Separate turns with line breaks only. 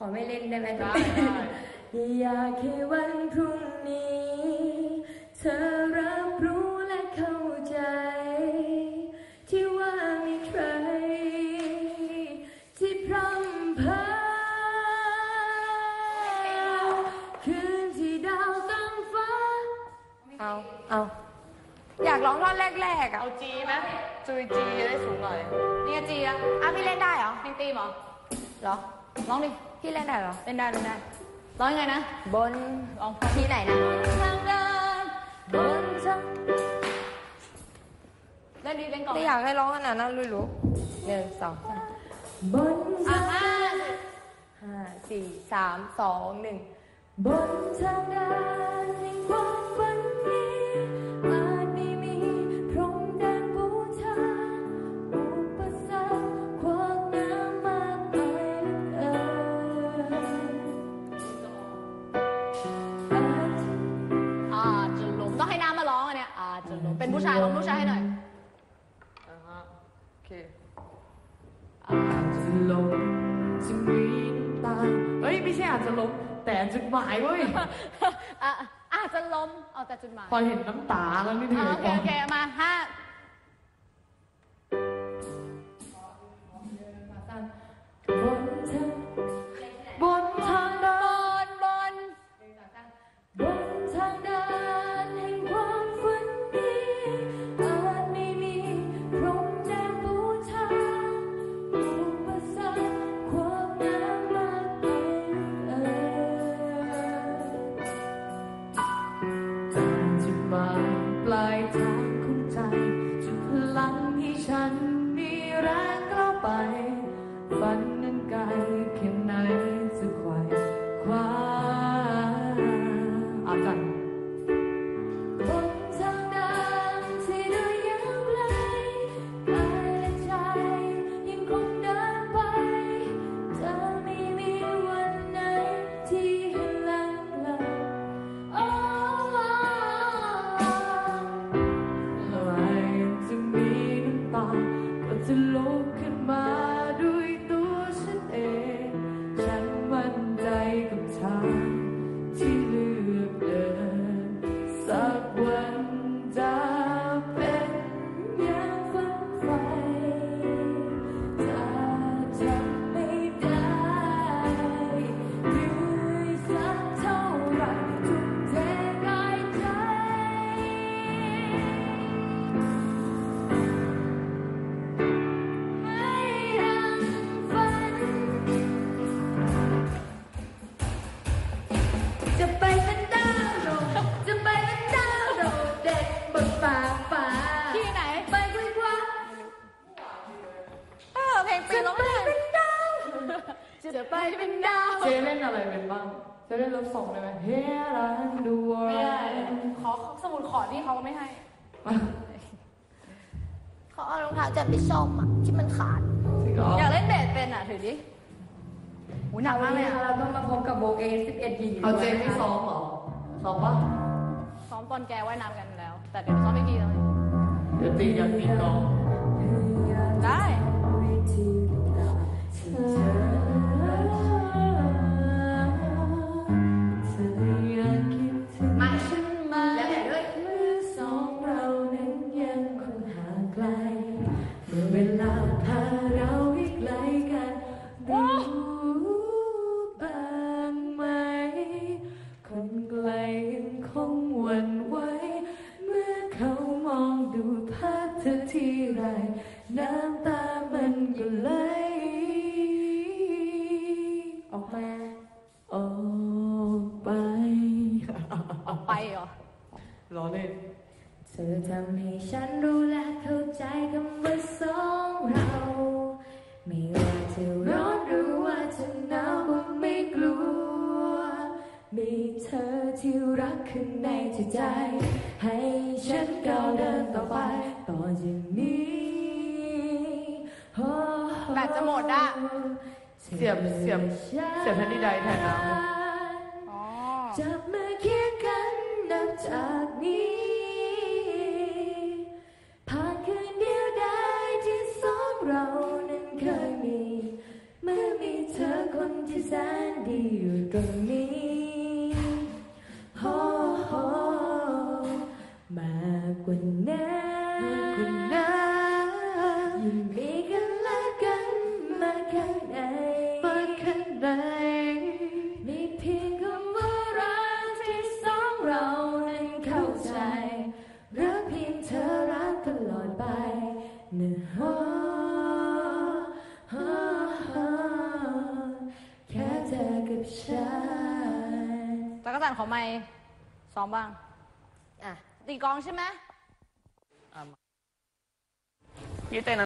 อไม่เล่นได้ไหมได้อยากให้วันพรุ่งนี้เธอรับรู้และเข้าใจที่ว่ามีใครที่พร่ำเพ้อคืนที่ดาวตั้งฟ้าเอาอยากร้องท่อนแรกๆอ่ะ
เอาจีไหมจุยจีได้สูงหน่อยนี่จีอะ
พี่เล่นได้เหรอ
เพลงตีมเหรอร้องดิ
พี่เล่นได้เหรอ
เล่นได้ร้องยังไงนะ
บนที่ไหนนะ
ทางเดินบนทางเล่นดีเล่นก่อน
ไม่อยากให้ร้องขนาดนั้นรู้1 2 3บน5 4 3 2 1บนทางเดินแห่งความฝันนี้อาจไม่มีพรมแดนบูชาอุปสรรคขวางน้ำมากมายเหลือเกิน
อาจจะล้มต้องให้น้ำมาร้องอันเนี้ยอาจจะล้มเป็นผู้ชายร้องผู้ชายให้หน่อยโอเค
อาจจะล้มจะมีน้ำตาเฮ้ยไม่ใช่อาจจะล้มแต่จุดหมายเว้ย
อาจจะล้มเอาแต่จุดหมาย
พอเห็นน้ำตาแล้วนี่เหนื่อย
โอเคมา
บนทางเดิน
บนทางเดินแห่งความฝันนี้อาจไม่มีพรมแดนบูชาอุปสรรคขวางน้ำมากมาย
จุดหมายปลายทางของใจจุดพลังให้ฉันมีแรงก้าวไปฝันนั้นไกลแค่ไหนจะไขว่คว้าอาจารย์
บนทางเดินที่ดูยาวไกลกายและใจยังคงเดินไปจะไม่มีวันไหนที่ให้ลังเลเ
มื่อไรจะมีน้ำตาก็จะลุกขึ้นมาด้วยตัวฉันเองฉันมั่นใจกับทางที่เลือกเดินสักวันจะเป็น
อย่างฝันใฝ่จะจำไม่ได้เหนื่อยสักเท่าไรทุ่มเทกายใจให้ดังฝันจะไปเป็นดาวโดดจะไปเป็นดาวโดดเด่นบนฟ้า
ที่ไหน
ไปคุยคว้า
เพลงปีร้องได้จะไปเป็นดาว
เจเล่นอะไรเป็นบ้างเจเล่นรถส่งได้ไหม Here and the
ไม่ได้
world
ขอสมุดขอที่เขาไม่ให้
เขาเอารองเท้าจับไปซ่อมอ่ะที่มันขาด
อยากเล่นเบสเป็นอ่ะถือดิหนักมากเลย
เราต้องมาพบกับโบเก11หญิง
เอาเจไม่ซ้อมเหรอซ้อมปะ
ซ้อมตอนแกว่ายน้ำกันแล้วแต่เดี๋ยวซ้อมอีกทีแล้ว
เดี๋ยวตีอยากตีกอง
ได้
มาฉันมาแล้วแต่ด้วยเมื่อสองเรานั้นยังคงห่างไกลเมื่อเวลาพาเราให้ไกลกันรู้บ้างไหมคนไกลยังคงหวั่นไหวเมื่อเขามองดูภาพเธอทีไรน้ำตามันก็ไหลออกมาออกไป
เหรอ
ล้อเล่น
เธอทำให้ฉันรู้และเข้าใจคำว่าสองเราไม่ว่าจะร้อนหรือว่าจะหนาวก็ไม่กลัวมีเธอที่รักข้างในจิตใจให้ฉันก้าวเดินต่อไปต่อจากนี้
แบตจะหมดอ่ะ
เสียบแผ่นดินใดแทนน้ำ
จับมือเคียงกันนับจากนี้ผ่านคืนเดียวได้ที่สองเรานั้นเคยมีเมื่อมีเธอคนที่แสนที่อยู่ตรงนี้โอ้โหมากกว่านั้นยิ่งมีกันและกันมาข้างในมีเพียงคำว่ารักที่สองเรานั้นเข้าใจรักเพียงเธอรักตลอดไปนะฮะแค่เธอกับฉัน
จักรจันทร์ขอไมค์ซ้อมบ้าง
อ่ะ
ตีกลองใช่ไหม
พี่เต้น